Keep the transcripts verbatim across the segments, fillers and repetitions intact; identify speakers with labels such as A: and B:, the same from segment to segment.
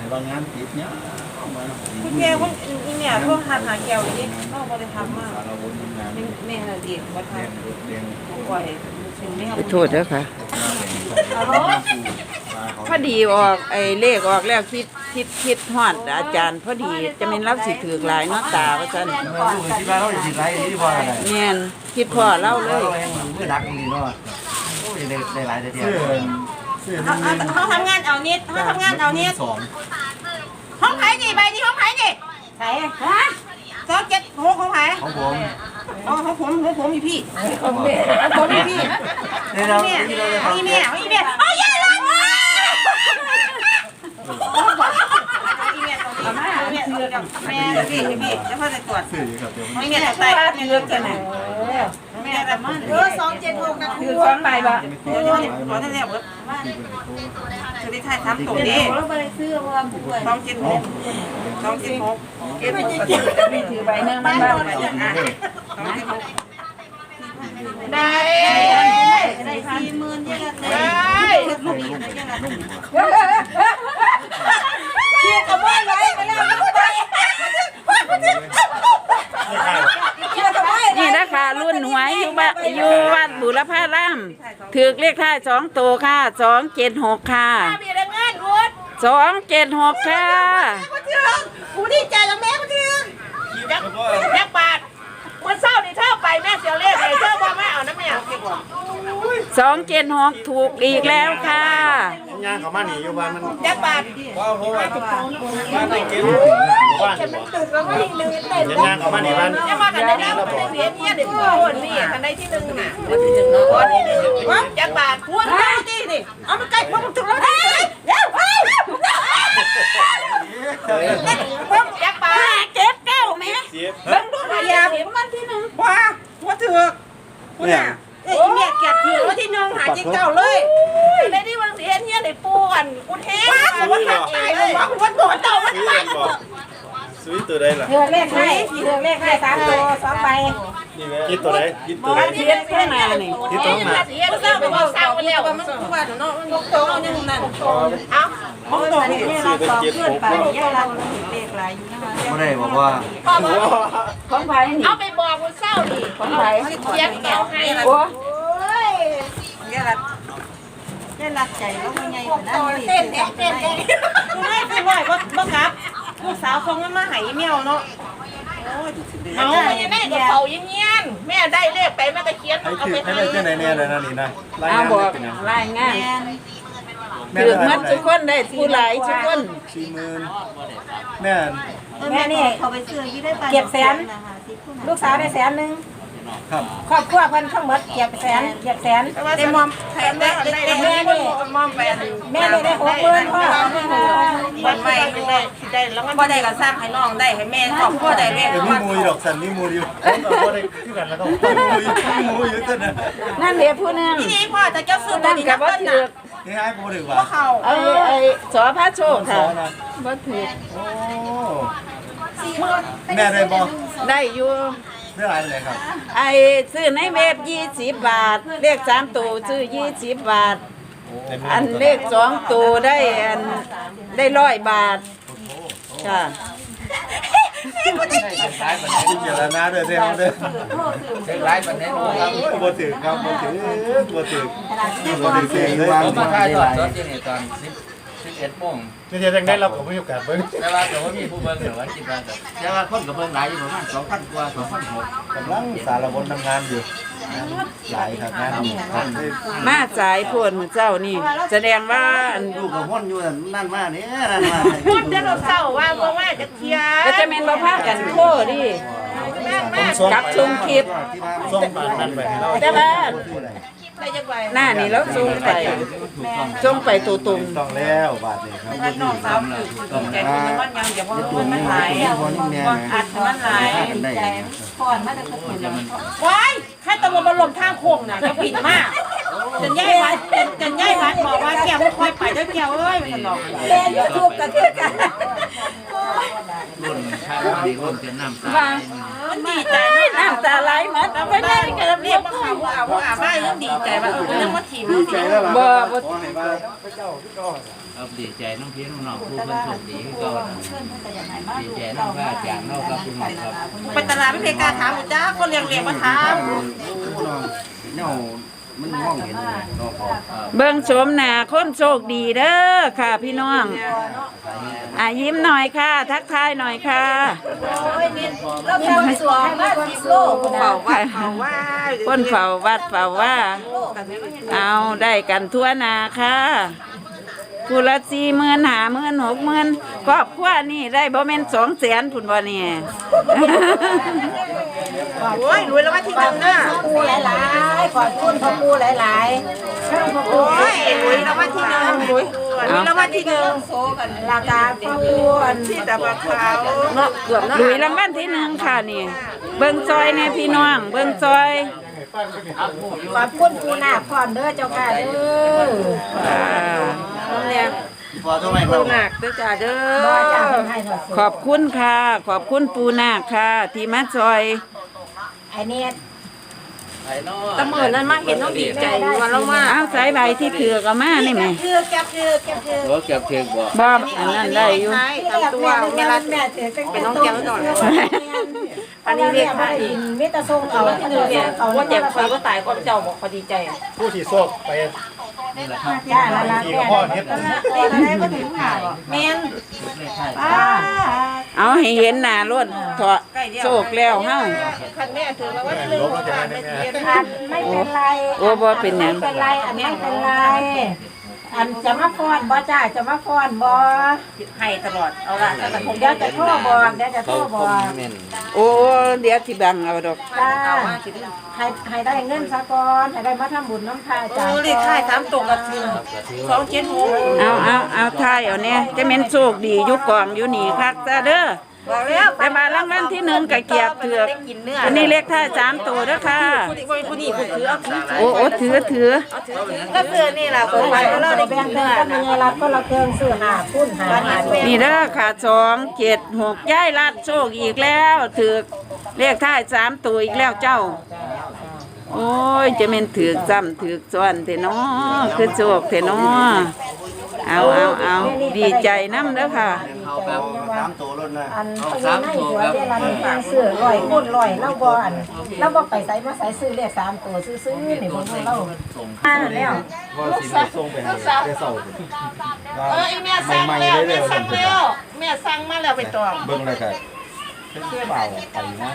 A: บางงานติดเนี้ย
B: คุณแม่คุณอีแม่พวกหาหาแก้วนี่ก็บ่ได้ทำมากแม่น่ะดีบ่ทำปล่อยถึงแม่
C: โทษเด้อค่ะพอดีออกไอ้เลขออกแล้วคิดคิดคิดฮอดอาจารย์พอดีจะเป็นรับสิถือหลายเนาะตาว่าซั่น
A: เมื่อลูกคิดว่าเราจะติดไรนี่พออะไร
C: แม่นคิดพ่อเล่าเลย
A: เมื่อดักนี่เนาะโอ้ยได้ได้หลายเดียว
B: เขาทำงานเอานิดเขาทำงานเอานิด
A: สอง
B: ห้องไผ่นี่ใบนี้ห้องไผ่นี่ไผ่ฮะสองเจ็ดหกของไผ่
A: ของผม
B: อ๋อของผมของผมมีพี่ของแม่ของมีพี่
A: นี่เรา
B: แม่มีแม่มีแม่โอ้ยยัยเลยมีแม่ตรงนี้แม่เลือกแม่พี่พี่แล้วพ่อจะตรวจ
A: สื่อครับเดี๋ยว
B: มีแม่ใต้แม่เลือกกันไหนแม่แบบมันเออสองเจ็ดหกนะคือสองใบบ่เดี๋ยวเดี๋ยวขอท่านเรียกว่าคือได้ถ่ายทำตัวนี้สองเจ็ดหกสองเจ็ดหกเอ็ดหกไม่ถือใบหนึ่งบ้านบ้านอ่ะสองเจ็ดหกได้ได้สี่หมื่นยังไงได้ลูกอีกได้ยังไงเชี่ยขโมยไว้ไปแล้วไป
C: นี่นะคะรุ่นหวยอยู่บ้านอยู่วัดบุรพารามถือเลขท้ายสองตัวค่ะสองเจ็ดหกค่ะสองเจ็ดหกค่ะ
B: กูดีใจกับแม่กูทียักยักบาทวันเศร้านี่เท่าไปแม่เสียเลขเลยเท่าว่าแม่เอาน้ำแม่
C: สองเจ็ดหกถูกอีกแล้วค่ะ
A: งานของมันนี่อยู่บ้านมัน
B: ยักบาท
A: ว้าวเพราะว่าบ้านไหนเก็บบ้านงานของมันนี่บ้าน
B: ยักบาทกันได้แล้วเสียเนี่ยเดี๋ยวพูดนี่กันได้ที่หนึ่งน่ะวันที่หนึ่งเนาะยักบาทพูดได้ที่นี่เอามาใกล้พวกมึงถูกแล้วเดี๋ยวเฮ้ยยักบาทเก็บเก้าไหมเบิ้งดูหน่อยอย่ามันที่หนึ่งว้าว่าถือคุณน่ะเอ้ยเมียเก็บถือว่าที่หนึ่งหาจิงเก้าเลยในที่วังเสียเนี่ยในปูกันกูเทสว่าทำเองว่าวันโดนเต่าวันไป
A: ซื้อตัวใดล่ะ
B: เลือกเลขให้เลือกเลขให้สามตัวสองใบ
A: คิดตัวใดคิดตัวใด
C: เทียนข้างหน้านี่
A: คิดตัวมา
B: เสียเศร้าไปว่าเศร้าไปแล้วมันคือว่าเนาะมันโตยังนั่นเอ้าของโตนี่เราสองเพื่อนไปแยกเราเลขหลายอยู่นะคะ
A: ไม่ได้บอกว่า
C: ของไผ่นี่
B: เอาไปบอกคนเศร้าดิ
C: ของไผ่
B: เทียบแก้วให้โอ้ยแย่รัดแย่รัดใจแล้วมันไงขนาดนี้เต้นเต้นเต้นเต้นไม่คือว่าบ่ครับลูกสาวคงมาหายเมียวเนาะเอาแม่กับเขายังเงี้ยนแม่ได้เลขไปแม่ก็เขียน
A: ให้
B: เอา
A: คือ
B: ไป
A: ให้
B: ให้
A: ได้เจ้าไหนเนี่ยเลยนะนี่นะ
C: เอาบอกรายงานถือมัดทุกคนได้ผู้หลายทุกคน
A: สี่หมื่นแม่
D: แม่นี่เขาไปซื้อยี่ได้ปลา
B: เก็บแสนลูกสาวได้แสนหนึ่ง
A: ครับ
B: ครอบครัวเพิ่นทั้งหมดเก็บแสนเก็บแสนได้มอมแสนได้ได้แม่นี่มอมแปดแม่ได้ได้หกหมื่นพ่อวันไปได้ได้แล้วก็บ่ได้ก็สร้างให้น้องได้ให้แม่ครอบครัวได้เลข
A: เดี๋ยวมีมูยดอกสันมีมูอยู่ผมกับพ่อได้ที่กันแล้วก็มูอยู่มีมูอยู่ต้นนะ
C: นั่นเดี๋ยวผู้นึง
B: นี่พ่อจะเจ้าซื้อตัว
C: นั่น
B: นี้
C: กั
B: นะ
C: บว่า
B: เพิ่น
C: ถือ
B: น่ะ
A: นี่ให้ผมถือว่า
B: บ่เข้า
C: ไอ้ไอ้สอพระโชคค่ะว่าถือ
A: โอ้แม่ได้บอก
C: ได้อยู่
A: เรื่องอะไรครับ
C: ไอ้ซื้อในเว็บยี่สิบบาทเลขสามตัวซื้อยี่สิบบาทอันเลขสองตัวได้อันได้ร้อยบาทค่ะ
A: สายปันนี้เจรนาเด้อเด้อเด้อสายปันนี้ครับบ่ถือครับบ่ถือบ่ถือบ่ถือเสียเลย
E: ผมมาถ่ายทอดสดที่นี่ตอนสิบสิบเอ็ดโมง
A: นี่จะได้เราก็มีโอกาสเบิ่ง
E: แต่ว่าแต่ว่ามีผู้เบิ่งเหลือวันจิตวันแต่ว่าคนกับเบิ่งหลายอยู่ประมาณสองพันกว่าสองพันหก
A: กำลังสารวนทำงานอยู่หลายครับงานนี่
C: มาสายพวนเจ้านี่แสดงว่าอัน
A: ลูกกับพ่นอยู่นั่นมาเนี่ยนั่นมา
B: พูดจะเราเศร้าว่าบ่ว่าจะเคลียร์
C: ก็จะเป็นประภาคกันโคดิกับชมคลิป
A: ส่งปากนั่นไปให้เรา
C: แต่ว่า
B: ได้จังไว้
C: หน้านี่แล้วส่งไปส่งไปตัวตุ่ม
A: ต้องแล้วบาทนี่ครับ
B: ถ้าน้องสาวคือใจมันมันยังอย่าว่ามันหลายอัดมันหลายใจก่อนมาแต่ก็เห็นว้ายใครตะวันมาลมทางโค้งน่ะก็ผิดมากจนย่ายวัดจนย่ายวัดบอกว่าแก้วไม่ค่อยไปด้วยแก้วเอ้ยมันหลอกแก้วยูทูบกันด้วยกัน
E: รุ่นชายรุ่นดีรุ่นเป็นน้ำตา
B: มันดีใจมาก
C: น้ำตาไหลหมดเอาไปได้ก็
B: เรี
C: เรี
B: ย
C: ย
B: ก
C: ก
B: ว่าข่าวว่าว่าอาบ้ายังดีใจว่าเออยังมาถีบ
A: ดีใจแล้วล่ะ
C: บ่บ่
A: ขอให้มาพระเจ้าพี่ก้อน
E: เอาดีใจน้องพี่น้องน้องผู้เพิ่นโชคดีก็ดีใจน้องพระอาจารย์เนาะครับคุณหมอครับ
B: ไปตลาดไม่เพกาถามจ้าคนเลี้ยงเลี้ยงมาถาม
A: เนามันมองเห็นเลยเนาะพอ
C: เบิ่งชมหน้าคนโชคดีเด้อค่ะพี่น้องอ่ะยิ้มหน่อยค่ะ ทักทายหน่อยค่ะ
D: แล้วทำสวมมาสิบโล
B: เฝ้าว่าเฝ้าว่า
C: คนเฝ้าวัดเฝ้าว่า เอาได้กันทั่วหนาค่ะผู้ละสี่หมื่นหาหมื่นหกหมื่นครอบครัวนี่ได้บ่แม่นสองแสนพุ่นบ่เนี่ย
B: โอ้ยรวยแล้วว่าที่หนึ่งน่ะ
D: ปูหลายๆขอบคุณพ่อปูหลายๆช่างพ่อปู
B: โอ้ยรวยแล้วว่าที่หนึ่งรวยรวยแล้วว่าที่หนึ่ง
D: โซกันราคาพ่อปูอัน
B: ที่ตะบักขาวเนาะเกือบเนาะ
C: หลุยรางวัลที่หนึ่งค่ะนี่ เบิ่งซอยเนี่ยพี่น้อง เบิ่งซอย
D: ขอบคุณปูนาพรเด้อเจ้าค่ะเด้อ
C: อ่า
B: เนี่ย
A: พอทำไมค
B: ปู
A: รับ
B: หนักเด้อจ้าเด้
D: บ่
B: อ
D: จ้าเพิ่นให้ถอด
C: ขอบคุณค่ะ ขอบคุณปูนาคค่ะ ที่มาซอย
D: ไอ้นี่
B: ตะเมินนั้นมาเห็นน้องดีใจวันละมา
C: เอาสายใบที่ถือก็มานี่แหม่
D: คือแก็บคือแก็บคือ
E: โอ้เก็บเทียงบ่
C: บ่อันนั้นได้อยู่
B: ใช่ตามตัวเวลา
D: แม่ถือ
B: เป็นน้องแก้วหน่อย
D: อันนี้เรียกว่ามิตรทรงเอาที่เรียกเอา
B: ว่าเจ็บคอยก็ตายก็เจ้าบอกเขาดีใจ
A: ผู้ที่โชคไป
E: นี่แหละครับ
D: จ้าละละ
A: ที่
D: แม่
A: พ่อเฮ็ด
B: นี่อะไรก็ถึงหาเมน
E: เลขท้าย
B: ป้า
C: เอาให้เห็นหน้ารถเถาะโชคแล้วเฮา
B: คันแม่ถือแล้วว่าลืมผ่านไม่เสีย
D: อันไม่เป็นไร
C: โอ้บ่เป็นหยัง
D: ไม่เป็นไร อันไม่เป็นไร อันจะมาฟ้อนบ่จ้าจะมาฟ้อนบ่
B: ให้ตลอดเอาละแต่คง
D: เดี๋ยวจะโทรบอกเดี๋ยวจะโทรบอก
E: แม่น
C: โอ้เดี๋ยวที่บังเอาดอก
D: จ้าให้ให้ได้เงินซะก่อนให้ได้มาทำบุญน้ำพระจ้า
B: เออเลขท้ายสามตรงกับสองเจ็ดหก
C: เอาเอาเอาทายเอาเนี่ยจะเป็นโชคดีอยู่กองอยู่นี่คักซะเด้อ
B: บอกแล้ว
C: แต่มารางวัลที่หนึ่งก็เกียบเถือกอันนี้เลขท้ายสามตัวเด้อค่ะ
B: ผู้นี้ผู้ถือเอาถือ
C: โอ้โอ้ถือถือ
B: ก็คือนี่แหละคนไปเราได้
D: แบ่
B: กิ
D: ง
B: น
D: เงิ
B: เนื้
D: น
B: อ
D: กันยังไงรับก็ละเครื่องซื้อหาพุ่นหาหา
C: นี่เด้อค่ะสองเจ็ดหกย้ายลัดโชคอีกแล้วถือกเลขท้ายสามตัวอีกแล้วเจ้า โอ้ยจะเป็นถือกซ้ำถือกซ้อนเถอะเนาะคือโชคเถอะเนาะเอาเอาเอาดีใจน้ำเด้อค่ะ
E: เขาครับ
A: สามตัวรถนะ
D: อันไปยังในหัวเวลามีการซื้อลอยพุ่นลอยเล่าบ่อันเล่าบ่ไปใส่มาใส่ซื้อเลขสามตัวซื้อๆนี่ผมเล่าอ่าแล้ว
A: พอสิมาส่งไปให้ได้เศร้า
B: เออไอแม่สั่งแล้วแม่สั่งแล้วแม่สั่งมาแล้วไปต่อ
A: เบิ่งเลยครับเปล่าไปนั้น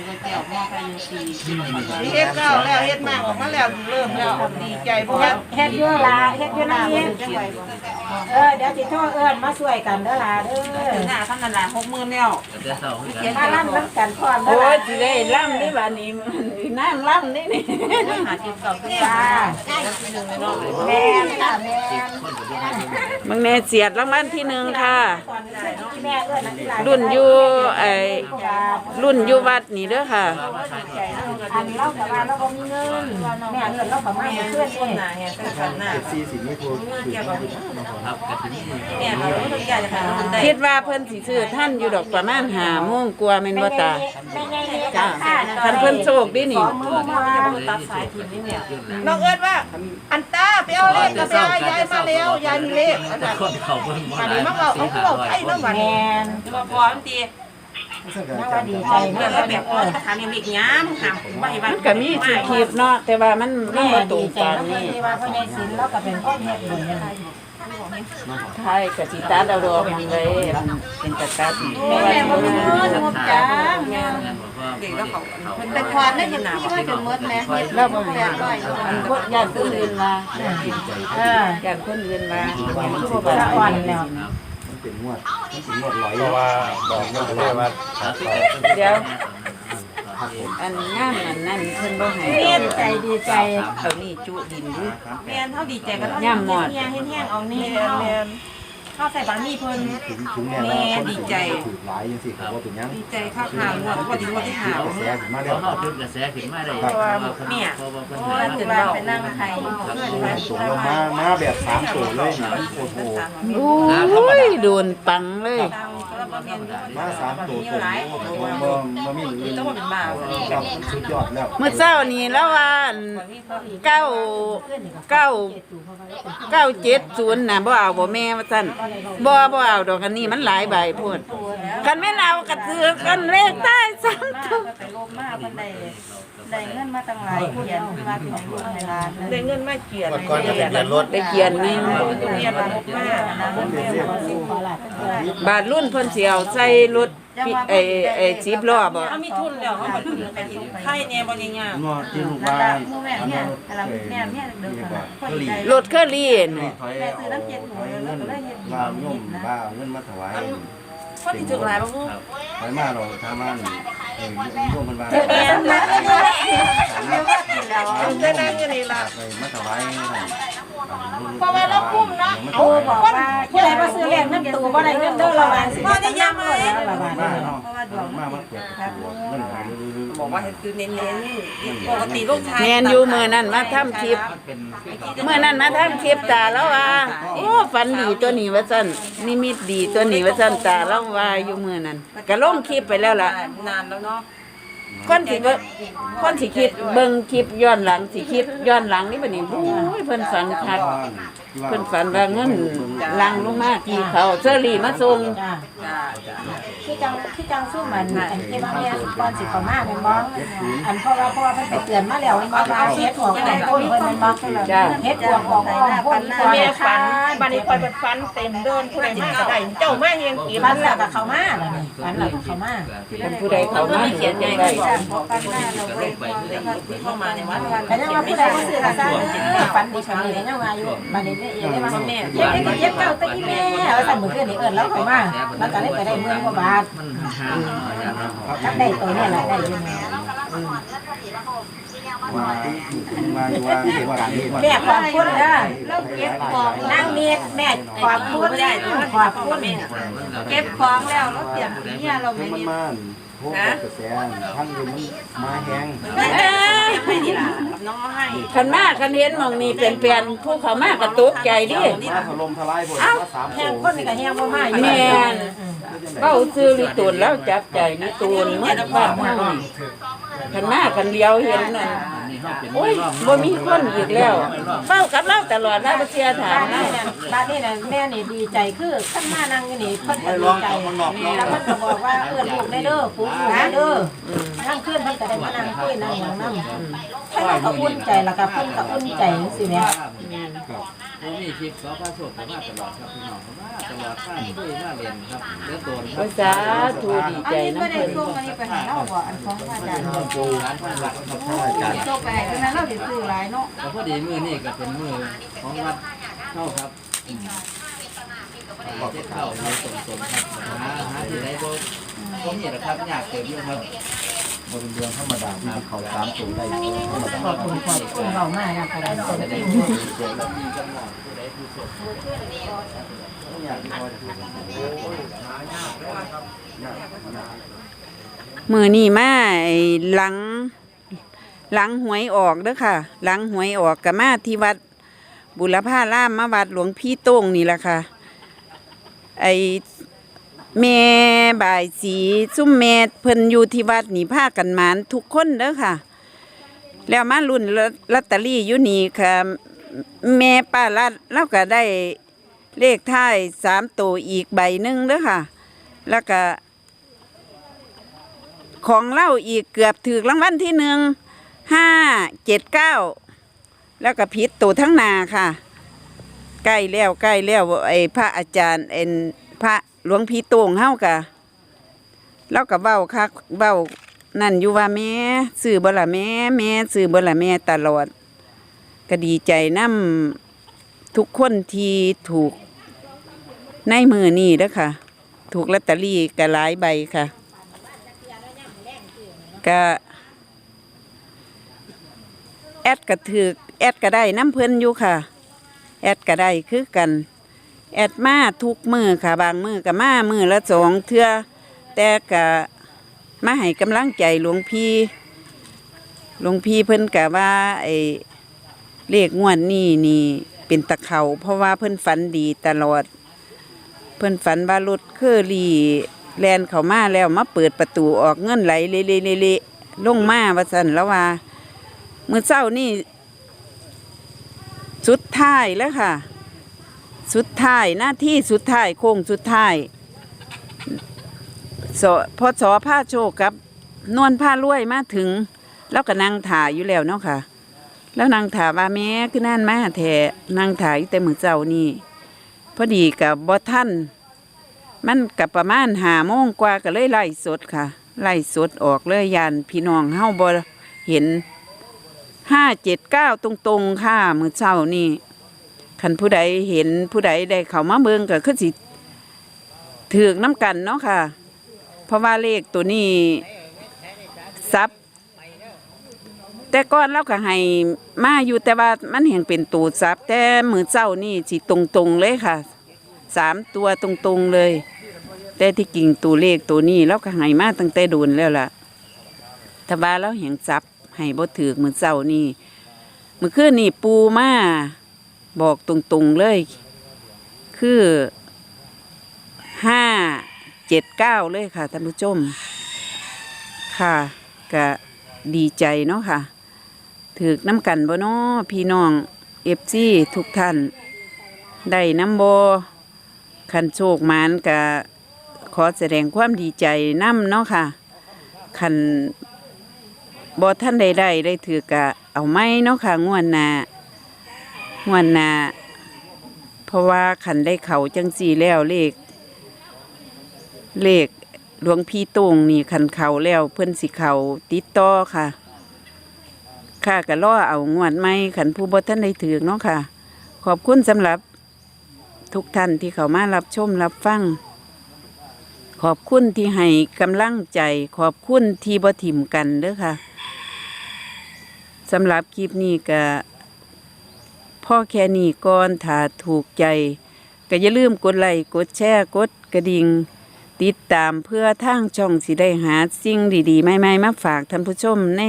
B: เฮ็ดแล้วแล้วเฮ็ดมากออกมาแล้วเริ่มแล้วดีใจเพราะว่า
D: เฮ็ดอยู่ลาเฮ็ดอยู่นั่นนี่เออเดี๋ยวสิโทรเอิ้นมาช่วยกันเด้อล่ะเด้อ
B: หน้าขั้นนั้นละหกหมื่นแล้ว
E: จะเศร้าคือกัน
D: มาล่ำน้ำกันพร้อมเด้
C: โอ้
D: อล่ะ
C: ยสิได้ล่ำนี่บ้านี้นั่งล่ำนี่นี่
B: หาจิตเก่าขึ้น
D: จ้า
B: แม่
D: แม่ค่ะแม่
C: มึงเนเสียดรางวัลที่หนึ่งค่ะ
D: แม่เอิ้นอันที่หลาย
C: รุ่นอยู่ไอ้รุ่นอยู่วัดนี่เด้อค่ะ
D: อันเล่ากับว่าเราบ่มีเงินแม่เอิ้นเราก็มาให้เพื่อนนี่
B: หน้าเนี่ยเป็นขันหน้า
A: ซีสินี่ถูกถูก
E: ครับกระถิ่นนี่
B: เนี่ยเราต้องอยากจะหาคนได้
C: คิดว่าเพิ่นสิซื้อท่านอยู่ดอกประมาณห้าโมงกว่าแม่นบ่ตา
D: แม่ใหญ่นี่
C: จ้า
D: ค่ะ
C: คันเพิ่นโชคดีนี่
D: มือมา
B: ตัดสายทุนนี่เนี่ยน้องเอิญว่าอันตาไปเอาเลขกับยายยายมาแล้วยายมีเลขอันนั้น
E: คนเขาเบิ่งบ่
B: อัน
E: หลา
B: นี้
E: ย
B: มันเอาเขาเอาไข่น้ำมัน
D: แม่น
B: มาพอมันตี
D: น่าว่าดีใจ
B: เมื่
D: เนาะ
B: อแบบพอถามยังอีกย้ำถามว่าไอ้บ้า
C: มัน นก็มีสิคลิปเนาะแต่ว่ามันมัน
D: แม่
C: บ่ตร
D: ดี
C: ง
D: ใจ
C: กัน
D: เนาะ
C: นี่
D: ที่ว่าพ่อใหญ่ศิลป์เราก็เป็นคนเฮ็ดบุญนี่
C: ไทยก็สิตัดเอาดอกหยังเลยเป็นตะตัดแม่
D: แม่บ่
C: ว่า
D: มี
C: สิ
D: เงินงบจ้า
B: เด็กแล้วเขา
D: แต่ก่อนได้ยังมีว่าจนหมดแม่
C: แล้วบ่ให้อันพวกญาติคนอื่นว่า
D: เออ
C: ญาติคนอื่นว่า
D: สะอ่อนแล้ว
A: มันเป็นงวดมันเป็นงวดร้อยเพราะว่าบอกเงินเลยว่า
C: เดี๋ยวอันงานอันนั้นเพิ่นบ่ให้
D: เฮ็ดใจดีใจ
C: เอานี่จุดินดู
B: แม่นเท่าดีใจกัน
C: ย่ำหมด
D: เฮียเฮ็ดแห้งเอานี่
B: แม่นแม่นข้าวใส่บะหมี่เพิ่น
A: ถึงถึงแม้ว่าคนถือหลายยังสิเขาว่าเป็นยัง
B: ดีใจข้าวขาวพอดีวันที่หาว
A: กระแสขึ้นมา
E: เพ
A: แล้ว
E: ราะเขาจุดกระแสขึ้นมาได้เพราะว่าเพิ่นเพราะว่าเพิ่น
B: เพราะว่าถึงเราไปนั่งไทย
A: ส่งลงมามาแบบสามตัวเลยนะโอ้โห
C: โอ้ยโดนปังเลย
A: มาสามตัวตัวบ่บ่บ่มีอื่นครับสุดยอดแล้ว
C: เมื่อเช้านี้แล้วว่าอันเก้าเก้าเก้าเจ็ดศูนย์น่ะบ่เอาบ่แม่ว่าซั่นบ่บ่เอาดอกอันนี้มันหลายใบพูดกันแม่นเอากระเทือกันเลขใต้ซ้ำตัว
B: ไปลบมาเพิ่นได้ได้เงินมาตั้งหลายเขียนมาถึงลูกในร้านได้เงินมาเขียน
A: ก่อนจะเป็นเดือนรถ
C: ได้เขียนนี่
B: เรียนมาลบมานะเรียนมาสิ
C: บาทรุ่นเพิ่นสิเอาใส่รถปิไอ้ไอ้สิบล้อบ่
B: เขามีทุนแล้วเขามาถึงเป็นไข่เนี่ยบ่ยังยาก
A: งอที่ลูกว่าแม่เนี่ยแม่เนี่ยเดินมาก็รี
C: รถเคอรี่น่ะ
A: ถอยเอาเงินว่าโยมว่าเงินมาถวาย
B: คนที่ถึงหลายบ่ฮู้
A: ถอยมาเราทำมาเออโยมมันว่า
B: แม่นนะเดี๋ยวก็กินแล้วได้นั่งอยู่นี่ล่ะ
A: ไปมาถวาย
B: เพราะว่าเราคุ้มเนาะ
D: โอ้บอกว่าผู้ใดบ่ซื้อเลขนำตัวบ่ได้เงินเด้อระวังสิ
B: บ่ได้ยามเลย
D: ระวัง
A: มาเนาะมามาเปิดเงินหาย
B: บอกว่าให้ซื้อเน้นๆปกติลูกชาย
C: แม่นอยู่มื้อนั้นมาทำคลิป
E: เป็นคือเขา
C: เมื่อนั้นมาทำคลิปตาแล้วว่าโอ้ฝันดีตัวนี้ว่าซั่นนิมิตดีตัวนี้ว่าซั่นตาแล้วว่าอยู่มื้อนั้นก็ลงคลิปไปแล้วล่ะ
B: นานแล้วเนาะ
C: คนสิเบิ่งคนสิคิดเบิ่งคลิปย้อนหลังสิคิดย้อนหลังนี่บัดนี้โอ้ยเพิ่นฝันคักเพิ่นฝันว่าเงินลังลงมาที่เขาเชอรี่มาส่ง
D: จ้า
B: จ้าจ้า
D: คือจังคือจังสู้มันอันที่ว่าแม่ก่อนสิเข้ามาแม่นบ่อันเพราะว่าเพราะว่าเพิ่นไปเตือนมาแล้วมันบ่เอาเฮ็ดหัวของต้นเพิ่นแม่นบ่เฮ็ดหัวของอ้อมพวกนี้
B: แม่ฝันบัดนี้คอยเป็นฝันเต็มเดินผู้ใดมาก็ได้เจ้ามาเฮงกี่
D: ฝันแล้วก็เข้ามาแล้วนี่ฝันแล้วก็เข้ามา
C: เป็นผู้ใดเขามา
B: เขียนใหญ่
C: ได้
B: ได้ฝันหน้าเราไปเข้ามาในวัด
D: แต่ยังว่าผู้ใดบ่ซื้อก็ซ่าฝันดีฝันดียังว่าอยู่บัดนี้แม่เองได้ว่าแม่เฮ็ดให้เฮ็ดเก่าตะอีแม่ว่าซั่นมื้อคืนนี้เอิ้นแล้วเข้ามาแล้วก็เลยไปได้หมื่นกว่าบาท
E: มันห่างๆอย่างนั้น
D: จักได้ตัวนี้ล่ะได้อยู่แม่
A: ว่ามาว่าเกี่ยวกับการนี้ว่า
D: แม่ขอบคุณเด้อเราเก็บของนั่งเมียแม่ขอบคุณได้ขอบคุณ
B: เก็บของแล้วเราเตรียมเนี่ยเราไม่
A: มัน
B: นี่
A: มาพวกกระแสทั้งอยู่มันมาแห้ง
B: ไม่นี่ล่ะน้องให้
C: คันมาคันเห็นหมองนี้เป็นเปลี่ยนผู้เขามากระตุกใจดิ
A: มาถล่มทลายผลมาสาม
D: แห้
A: โถ
D: งคนนี่ก็แห้งบ่มาอยู่
C: แม่นเว้าซื้อลิตูนแล้วจับใจลิตูนเหมือนบ้านเฮานี่คันมาคันเดียวเห็นนั่น
E: นี่เขาเป็น
C: โอ้ยบ่มีคนอีกแล้วเฝ้ากับเราตลอดแล้วบ่เสียถาม
D: บ้าน
C: เรา
D: นี่น่ะบ้านนี่น่ะแม่นี่ดีใจคือคันมานั่งอยู่นี่เพิ่นก็ดีใจแล้วเพิ่นก็บอกว่าเอิ้นลูกได้เด้อปู่ลูกได้เด้อนั่งขึ้นเพิ่นก็ได้มานั่งคุยนั่งหยังนำเพิ่นก็อุ่นใจแล้วก็เพิ่นก็อุ่นใจจังซี่แหม
E: ผมมีคลิปสอพระโชคมาตลอดครับพี่น้องมาตลอดข้ามคุยมาเรียนครับเดือดโดนครั
C: ภา
E: บ
C: ษาทูดีใจนำเพิ่น
B: ส่งอันนี้ไปให้เราบ่อันของอาจารย์
E: ปูร้านพันหลักครับ
A: อาจารย์
B: ส่งไปให้นั้นเราสิซื้อหลายเนาะ
E: แต่พอดีมือนี่ก็เป็นมือของวัดเข้าครับเจ็ดเข้าในตรงตรงครับหาหาที่ไหนบ่ก็มีแหละครับอยากเกิดอยู่ครับ
A: บนเรืองธรรมดาที่เขาสามตัวได้ธรรมดา
D: ขอบคุณขอบคุณเว้ามากนะค่ะได้คนที่
E: มีกำลังผู้ใดผู้สด
C: มื้อนี้มาไอ้หลังหลังหวยออกเด้อค่ะ หลังหวยออกก็มาที่วัดบุรพารามมาวัดหลวงพี่โต้งนี่ล่ะค่ะ ไอ้แม่บ่ายสีซุ่มแม่เพิ่นอยู่ที่วัดนี่พากันหมานทุกคนเด้อค่ะ แล้วมารุ่นลอตเตอรี่อยู่นี่ค่ะ แม่ป้าลัดเราก็ได้เลขท้ายสามตัวอีกใบหนึ่งเด้อค่ะ แล้วก็ของเล่าอีกเกือบถือรางวัลที่หนึ่งห้าเจ็ดเก้าแล้วก็ผิดตัวทั้งนาค่ะ ใกล้แล้วใกล้แล้วไอ้พระอาจารย์เอ็นพระหลวงพี่โต่งเฮากะแล้วก็เว้าค่ะเว้านั่นอยู่ว่าแม่ซื้อบ่ล่ะแม่แม่ซื้อบ่ล่ะแม่ตลอดก็ดีใจนำทุกคนที่ถูกในมือนี่เด้อค่ะ ถูกลอตเตอรี่ก็หลายใบค่ะก็แอดก็ถือแอดก็ได้น้ำเพิ่นอยู่ค่ะแอดก็ได้คือกันแอดมาทุกมือค่ะบางมือกับมามือละสองเทื่อแต่กะมาให้กำลังใจหลวงพี่หลวงพี่เพิ่นกะว่าไอ้เลขงวดนี้นี่เป็นตะเขาเพราะว่าเพิ่นฝันดีตลอดเพิ่นฝันว่ารถเคอรี่แลนเข้ามาแล้วมาเปิดประตูออกเงินไหลเละๆๆลงมาว่าซั่นแล้วว่ามื้อเช้านี่สุดท้ายแล้วค่ะสุดท้ายหน้าที่สุดท้ายโค้งสุดท้ายสพอสอผ้าโชคกับนวลผ้ารวยมาถึงแล้วก็นั่งถ่ายอยู่แล้วเนาะค่ะแล้วนางถ่าว่าแม่คือนั่นมาแท้นางถ่ายอยู่แต่มื้อเช้านี่พอดีกับบ่ทันมันกับประมาณห้าโมงกว่าก็เลยไล่สดค่ะไล่สดออกเลยยานพี่น้องเฮาบ่เห็นห้าเจ็ดเก้าตรงๆค่ะมื้อเช้านี่คันผู้ใดเห็นผู้ใดได้เข้ามาเบิ่งก็คือสิถูกน้ำกันเนาะค่ะเพราะว่าเลขตัวนี้ซับแต่ก่อนเราก็ให้มาอยู่แต่ว่ามันแห่งเป็นตูดซับแต่มือเจ้านี่สิตรงๆเลยค่ะสามตัวตรงๆเลยแต่ที่กิ่งตัวเลขตัวนี้เราก็ให้มาตั้งแต่โดนแล้วล่ะถ้าว่าเราแห่งซับให้บ่ถือมือเจ้านี่มือคืนนี่ปูมาบอกตรงๆเลยคือห้าเจ็ดเก้าเลยค่ะท่านผู้ชมค่ะก็ดีใจเนาะค่ะถือน้ำกันบ่เนาะพี่น้องเอฟซีทุกท่านได้น้ำโบคันโชคมานกะขอแสดงความดีใจน้ำเนาะค่ะคันบ่ท่านใดได้ได้ถือกะเอาไม้เนาะค่ะงวดหน้างวดหน้าเพราะว่าคันได้เขาจังสีแล้วเลขเลขหลวงพี่ตงนี่คันเขาแล้วเพิ่นสิเขาติดต่อค่ะค่ะก็รอเอางวดไหมขันผู้บ่ท่านได้ถือเนาะค่ะขอบคุณสำหรับทุกท่านที่เขามารับชมรับฟังขอบคุณที่ให้กำลังใจขอบคุณที่บ่ถิ่มกันเด้อค่ะสำหรับคลิปนี้ก็พ่อแค่นี้ก่อนถ้าถูกใจก็อย่าลืมกดไลค์กดแชร์กดกระดิ่งติดตามเพื่อทางช่องสิได้หาสิ่งดีๆใหม่ๆมาฝากท่านผู้ชมใน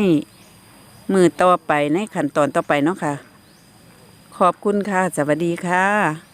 C: มือต่อไปในขั้นตอนต่อไปเนาะค่ะขอบคุณค่ะสวัสดีค่ะ